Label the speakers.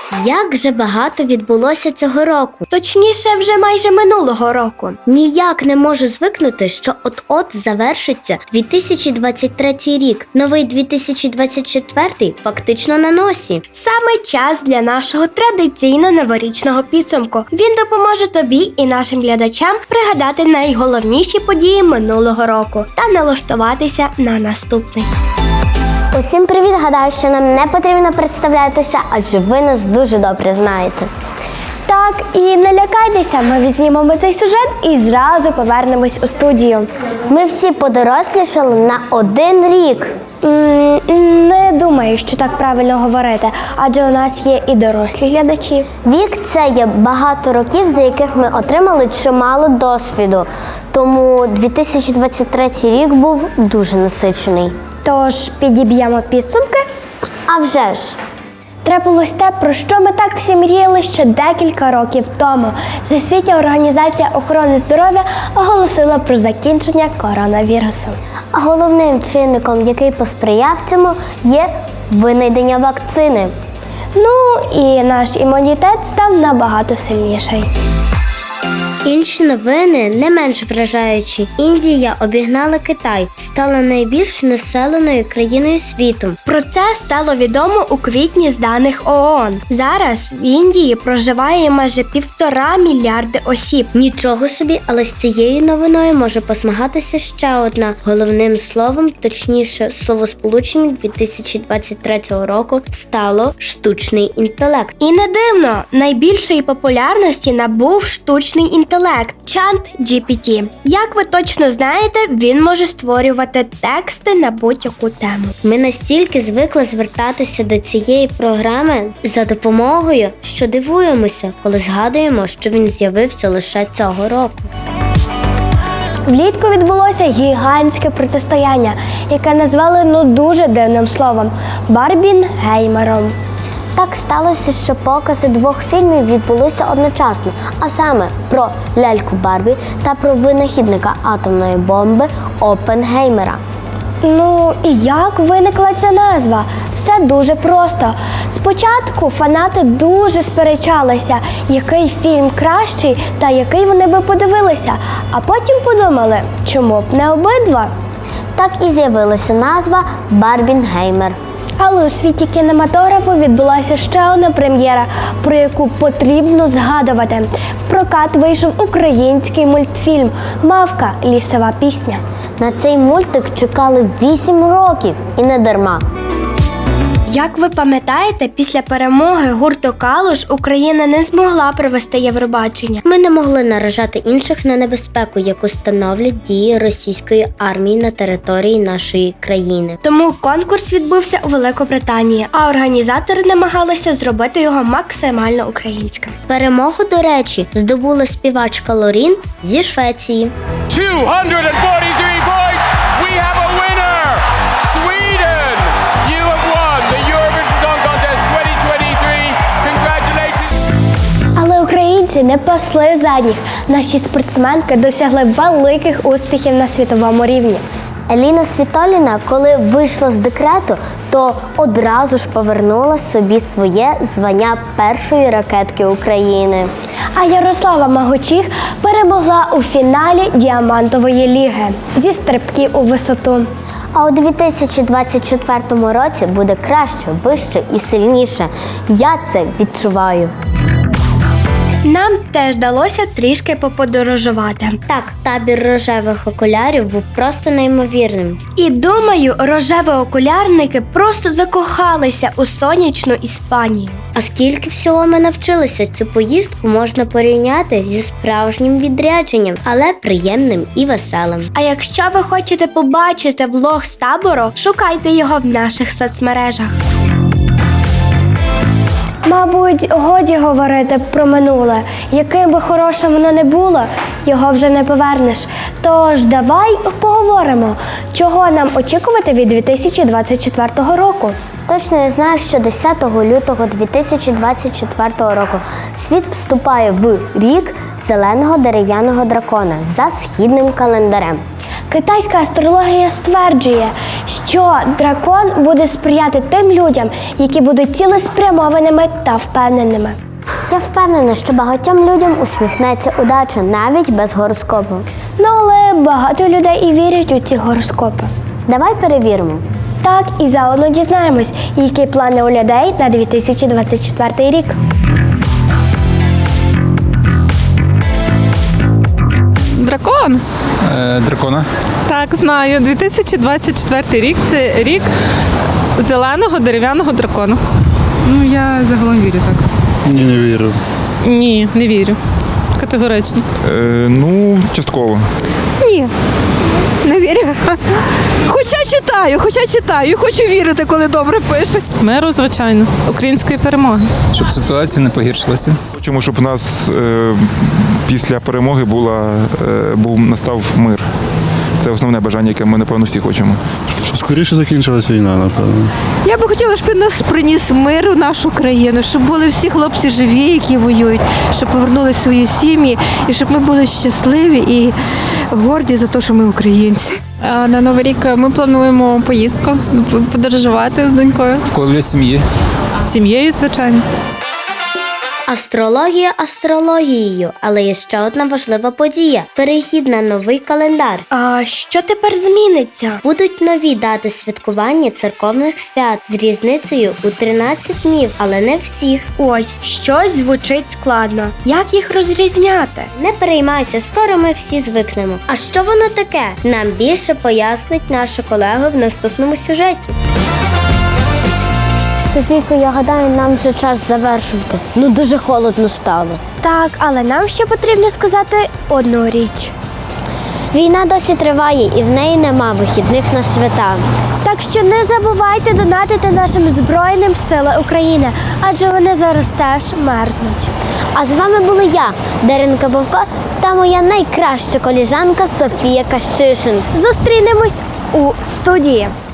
Speaker 1: Як же багато відбулося цього року.
Speaker 2: Точніше, вже майже минулого року.
Speaker 1: Ніяк не можу звикнути, що от-от завершиться 2023 рік. Новий 2024 фактично на носі.
Speaker 2: Саме час для нашого традиційно новорічного підсумку. Він допоможе тобі і нашим глядачам пригадати найголовніші події минулого року та налаштуватися на наступний.
Speaker 1: Усім привіт! Гадаю, що нам не потрібно представлятися, адже ви нас дуже добре знаєте.
Speaker 2: Так, і не лякайтеся, ми візьмемо цей сюжет і зразу повернемось у студію.
Speaker 1: Ми всі подорослішали на 1 рік.
Speaker 2: Не думаю, що так правильно говорити, адже у нас є і дорослі глядачі.
Speaker 1: Вік – це є багато років, за яких ми отримали чимало досвіду. Тому 2023 рік був дуже насичений.
Speaker 2: Тож підіб'ємо підсумки.
Speaker 1: А вже ж!
Speaker 2: Трапилось те, про що ми так всі мріяли ще декілька років тому. Всесвітня організація охорони здоров'я оголосила про закінчення коронавірусу.
Speaker 1: А головним чинником, який посприяв цьому, є винайдення вакцини.
Speaker 2: Ну і наш імунітет став набагато сильніший.
Speaker 1: Інші новини не менш вражаючі. Індія обігнала Китай, стала найбільш населеною країною світу.
Speaker 2: Про це стало відомо у квітні з даних ООН. Зараз в Індії проживає майже 1,5 мільярди осіб.
Speaker 1: Нічого собі, але з цією новиною може посмагатися ще одна. Головним словом, точніше, словосполученням 2023 року стало штучний інтелект.
Speaker 2: І не дивно, найбільшої популярності набув штучний інтелект ChatGPT. Як ви точно знаєте, він може створювати тексти на будь-яку тему.
Speaker 1: Ми настільки звикли звертатися до цієї програми за допомогою, що дивуємося, коли згадуємо, що він з'явився лише цього року.
Speaker 2: Влітку відбулося гігантське протистояння, яке назвали дуже дивним словом – Барбінгеймером.
Speaker 1: Так сталося, що покази 2 фільмів відбулися одночасно, а саме про ляльку Барбі та про винахідника атомної бомби Оппенгеймера.
Speaker 2: Ну і як виникла ця назва? Все дуже просто. Спочатку фанати дуже сперечалися, який фільм кращий та який вони би подивилися, а потім подумали, чому б не обидва?
Speaker 1: Так і з'явилася назва Барбінгеймер.
Speaker 2: Але у світі кінематографу відбулася ще одна прем'єра, про яку потрібно згадувати. В прокат вийшов український мультфільм «Мавка. Лісова пісня».
Speaker 1: На цей мультик чекали 8 років і не дарма.
Speaker 2: Як ви пам'ятаєте, після перемоги гурту «Калуш» Україна не змогла провести Євробачення.
Speaker 1: Ми не могли наражати інших на небезпеку, яку становлять дії російської армії на території нашої країни.
Speaker 2: Тому конкурс відбувся у Великобританії, а організатори намагалися зробити його максимально українським.
Speaker 1: Перемогу, до речі, здобула співачка Лорін зі Швеції.
Speaker 3: 243 points. We have a winner. Sweden. You have won the Eurovision Song Contest 2023. Congratulations.
Speaker 2: Але українці не пасли задніх. Наші спортсменки досягли великих успіхів на світовому рівні.
Speaker 1: Еліна Світоліна, коли вийшла з декрету, то одразу ж повернула собі своє звання першої ракетки України.
Speaker 2: А Ярослава Магочих перемогла у фіналі Діамантової ліги зі стрибків у висоту.
Speaker 1: А у 2024 році буде краще, вище і сильніше. Я це відчуваю.
Speaker 2: Нам теж вдалося трішки поподорожувати.
Speaker 1: Так, табір рожевих окулярів був просто неймовірним.
Speaker 2: І думаю, рожеві окулярники просто закохалися у сонячну Іспанію.
Speaker 1: А скільки всього ми навчилися, цю поїздку можна порівняти зі справжнім відрядженням, але приємним і веселим.
Speaker 2: А якщо ви хочете побачити влог з табору, шукайте його в наших соцмережах. Мабуть, годі говорити про минуле. Яким би хорошим воно не було, його вже не повернеш. Тож давай поговоримо, чого нам очікувати від 2024 року.
Speaker 1: Точно я знаю, що 10 лютого 2024 року світ вступає в рік зеленого дерев'яного дракона за східним календарем.
Speaker 2: Китайська астрологія стверджує, що дракон буде сприяти тим людям, які будуть цілеспрямованими та впевненими.
Speaker 1: Я впевнена, що багатьом людям усміхнеться удача навіть без гороскопу.
Speaker 2: Ну, але багато людей і вірять у ці гороскопи.
Speaker 1: Давай перевіримо.
Speaker 2: Так, і заодно дізнаємось, які плани у людей на 2024 рік.
Speaker 4: Дракон?
Speaker 5: Дракона.
Speaker 4: Так, знаю. 2024 рік – це рік зеленого дерев'яного дракона.
Speaker 6: Ну, я загалом вірю так.
Speaker 5: Ні, не вірю.
Speaker 4: Ні, не вірю. Категорично.
Speaker 5: Ну, частково.
Speaker 7: Ні, не вірю. Хоча читаю, і хочу вірити, коли добре пишуть.
Speaker 4: Миру, звичайно. Української перемоги.
Speaker 5: Щоб ситуація не погіршилася.
Speaker 8: Хочемо, щоб у нас після перемоги настав мир. Це основне бажання, яке ми, напевно, всі хочемо.
Speaker 9: Щоб скоріше закінчилась війна, напевно.
Speaker 7: Я би хотіла, щоб він нас приніс мир у нашу країну, щоб були всі хлопці живі, які воюють, щоб повернули свої сім'ї, і щоб ми були щасливі і горді за те, що ми українці.
Speaker 6: На Новий рік ми плануємо поїздку, подорожувати з донькою.
Speaker 5: В колі сім'ї.
Speaker 4: З сім'єю, звичайно.
Speaker 1: Астрологія астрологією, але є ще одна важлива подія – перехід на новий календар.
Speaker 2: А що тепер зміниться?
Speaker 1: Будуть нові дати святкування церковних свят з різницею у 13 днів, але не всіх.
Speaker 2: Ой, щось звучить складно. Як їх розрізняти?
Speaker 1: Не переймайся, скоро ми всі звикнемо. А що воно таке? Нам більше пояснить наша колега в наступному сюжеті. Софійко, я гадаю, нам вже час завершувати. Ну, дуже холодно стало.
Speaker 2: Так, але нам ще потрібно сказати одну річ.
Speaker 1: Війна досі триває і в неї нема вихідних на свята.
Speaker 2: Так що не забувайте донатити нашим Збройним силам України, адже вони зараз теж мерзнуть.
Speaker 1: А з вами були я, Даринка Бовко, та моя найкраща коліжанка Софія Кащишин.
Speaker 2: Зустрінемось у студії.